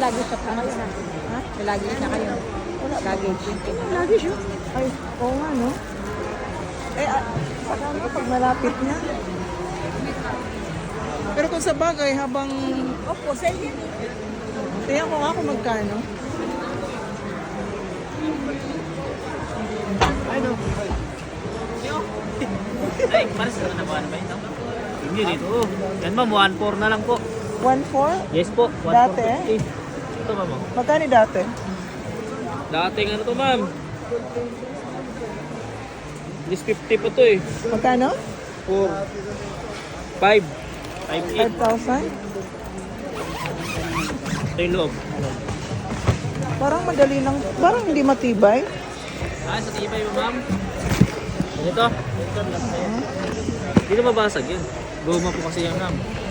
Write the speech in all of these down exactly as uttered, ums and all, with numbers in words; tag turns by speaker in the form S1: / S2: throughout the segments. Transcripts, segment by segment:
S1: luggage shop na kayo na. Ha? May luggage na kayo.
S2: Wala ba?
S1: Luggage.
S2: Lagi siya. Ay, oo nga, no? Eh, ah, saka nga pag malapit na. Pero kung sa bagay, habang...
S1: Opo, sale yan.
S2: Tingnan ko nga kung magkano. Ano?
S3: Ay, pares na naman ba ito? Hindi dito. Oh. Yan ma'am, one four na lang po.
S2: one four?
S3: Yes po, one four
S2: Dati?
S3: fifty. Ito ma'am. oh.
S2: Magkano dati?
S3: Dating ano to ma'am? This fifty po to eh.
S2: Magkano?
S3: four. five. five eight.
S2: five thousand?
S3: Ito yung loob.
S2: Parang madali lang. Parang hindi matibay.
S3: Ah, sa tibay mo ma'am. Ito. Hindi na mabasag yun. Goma po kasi yan ma'am.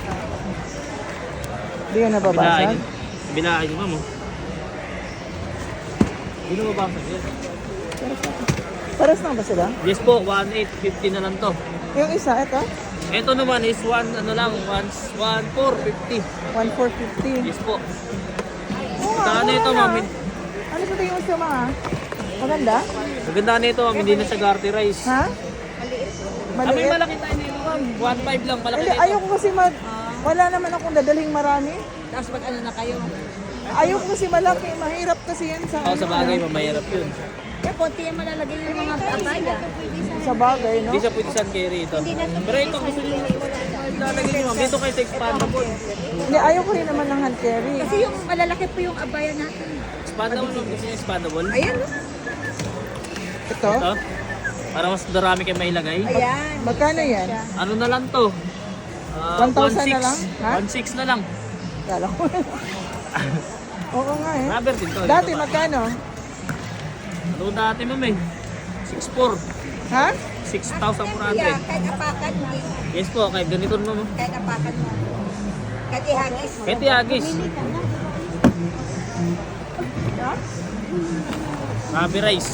S2: Hindi ka nababasag.
S3: Binahay nyo ma'am oh. Hindi na mabasag yun.
S2: Paras lang ba sila?
S3: Yes po, one eight fifty na lang to.
S2: Yung isa, ito?
S3: Ito naman is one ano lang, one four fifty.
S2: one four fifty.
S3: Yes po.
S2: Oo nga,
S3: Saan na ito
S2: mura
S3: ma'am?
S2: na. Ano sa tingin mo siya mga? Maganda?
S3: Maganda na ito ma'am, hindi na siya garterize.
S2: Ha?
S3: Ah, may
S2: Maliit?
S3: malaki tayo dito ma'am. one five lang, malaki
S2: Hindi,
S3: dito.
S2: ayoko kasi mag... Wala naman akong dadaling marami.
S1: Tapos pag ano na kayo.
S2: Ayoko kasi malaki. Mahirap kasi yan sa...
S3: Oo, sa bagay, mamahirap yun.
S1: Kaya konti yung malalagay yung mga abaya.
S2: Sa bagay, no?
S3: Hindi siya pwede saan carry ito. Pero ito, gusto nyo lalagay nyo ma'am. Dito kayo sa expandable.
S2: Hindi, ayoko rin naman ng hand carry.
S1: Kasi yung malalaki po yung abaya natin.
S3: Expandable ma'am, gusto nyo expandable?
S1: Ayan. no?
S2: Ito?
S3: Ito. Para mas darami kayo mailagay.
S1: Ayan.
S2: Magkano yan?
S3: Ano na lang to? Ah,
S2: one thousand na lang? Ha?
S3: one six na lang.
S2: Kala ko. Oo nga eh.
S3: Rubber din to.
S2: Dati
S3: Dito ba?
S2: magkano?
S3: Ano dati ma'am eh? six four.
S2: Ha?
S3: six thousand four hundred.
S1: Yeah, kahit apakan mo.
S3: Yes po, kahit ganito ma'am. oh.
S1: Kahit apakan mo. Kahit ihagis.
S3: Kahit iagis. Rabi rice.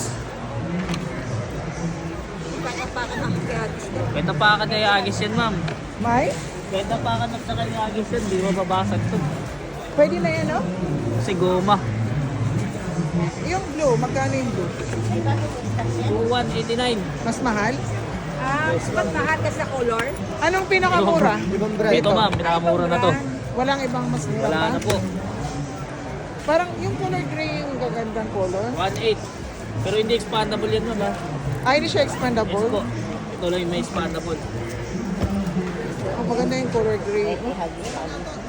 S1: Kahit apakan ang ihagis.
S3: Kahit napakan na iagis yan ma'am.
S2: May?
S3: Kahit napakan na saka iagis yan, di mababasag to.
S2: Pwede na yan, no?
S3: Kasi goma.
S2: Yung blue, magkano yung blue?
S3: one eighty-nine.
S2: Mas mahal?
S1: Ah, pag nahagas sa color.
S2: Anong pinakamura?
S3: Ito ma'am, pinakamura na to.
S2: Walang ibang mas mura
S3: Wala
S2: pa?
S3: na po.
S2: Parang yung color gray yung gagandang color.
S3: one eight. Pero hindi expandable yan ma'am ha.
S2: Ay, hindi siya
S3: Yes
S2: expandable.
S3: po. Ito lang yung may expandable.
S2: Oh, maganda yung color gray.